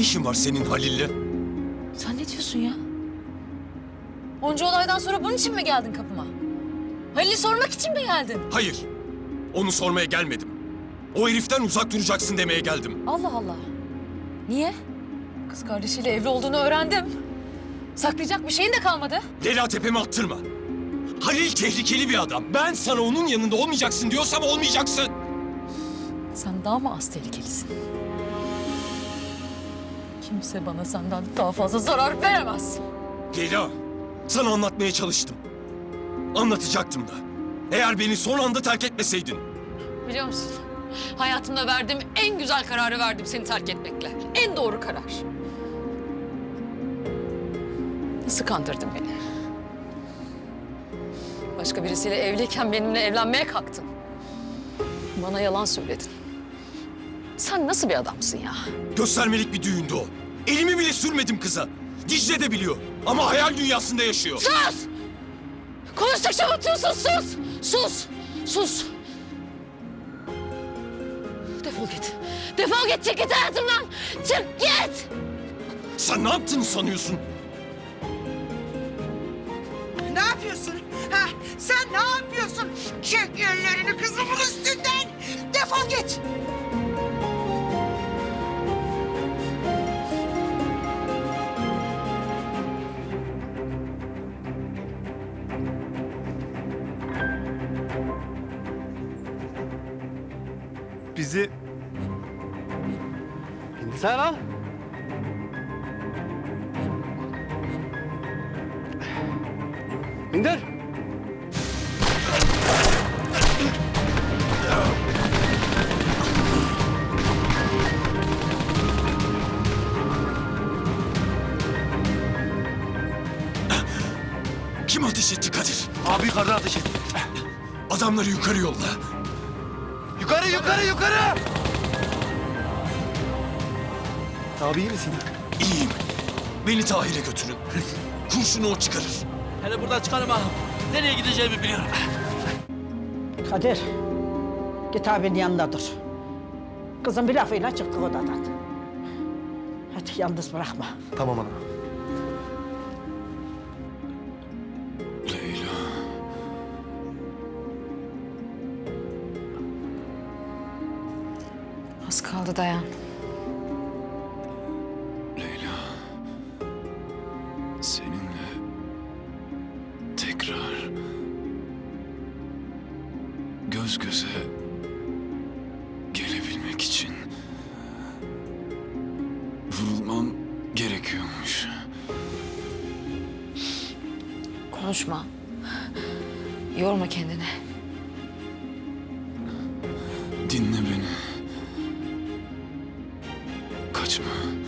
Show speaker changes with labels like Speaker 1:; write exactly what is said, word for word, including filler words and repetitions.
Speaker 1: işin var senin Halil'le?
Speaker 2: Sen ne diyorsun ya? Onca olaydan sonra bunun için mi geldin kapıma? Halil'i sormak için mi geldin?
Speaker 1: Hayır. Onu sormaya gelmedim. O heriften uzak duracaksın demeye geldim.
Speaker 2: Allah Allah. Niye? Kız kardeşiyle evli olduğunu öğrendim. Saklayacak bir şeyin de kalmadı.
Speaker 1: Leyla tepeme attırma. Halil tehlikeli bir adam. Ben sana onun yanında olmayacaksın diyorsam olmayacaksın.
Speaker 2: Sen daha mı az tehlikelisin? Kimse bana senden daha fazla zarar veremez.
Speaker 1: Leyla, sana anlatmaya çalıştım. Anlatacaktım da. Eğer beni son anda terk etmeseydin.
Speaker 2: Biliyor musun? Hayatımda verdiğim en güzel kararı verdim seni terk etmekle. En doğru karar. Nasıl kandırdın beni? Başka birisiyle evliyken benimle evlenmeye kalktın. Bana yalan söyledin. Sen nasıl bir adamsın ya?
Speaker 1: Göstermelik bir düğündü o. Elimi bile sürmedim kıza. Dicle de biliyor. Ama hayal dünyasında yaşıyor.
Speaker 2: Sus! Konuştukça batıyorsun, sus! Sus! Sus! Defol git. Defol git, çık git hayatımdan! Çık git!
Speaker 1: Sen ne yaptığını sanıyorsun?
Speaker 3: Ne yapıyorsun? Ha? Sen ne yapıyorsun? Çek ellerini kızımın üstünden! Defol git!
Speaker 4: Bizi... İnsan al. İndir.
Speaker 1: Kim ateş etti Kadir?
Speaker 4: Abi yukarıdan ateş et.
Speaker 1: Adamları yukarı yolla.
Speaker 4: Yukarı, yukarı, yukarı! Abi iyi misin?
Speaker 1: İyiyim. Beni Tahir'e götürün. Kurşunu o çıkarır.
Speaker 5: Hele buradan çıkarım ağam. Nereye gideceğimi biliyorum.
Speaker 3: Kadir, git abinin yanında dur. Kızım bir lafıyla çıktı odadan. Hadi yalnız bırakma.
Speaker 4: Tamam ana.
Speaker 1: Leyla.
Speaker 2: Az kaldı, dayan.
Speaker 1: Leyla. Seninle tekrar göz göze gelebilmek için vurulmam gerekiyormuş.
Speaker 2: Konuşma. Yorma kendini.
Speaker 1: Dinle beni. Kaçma.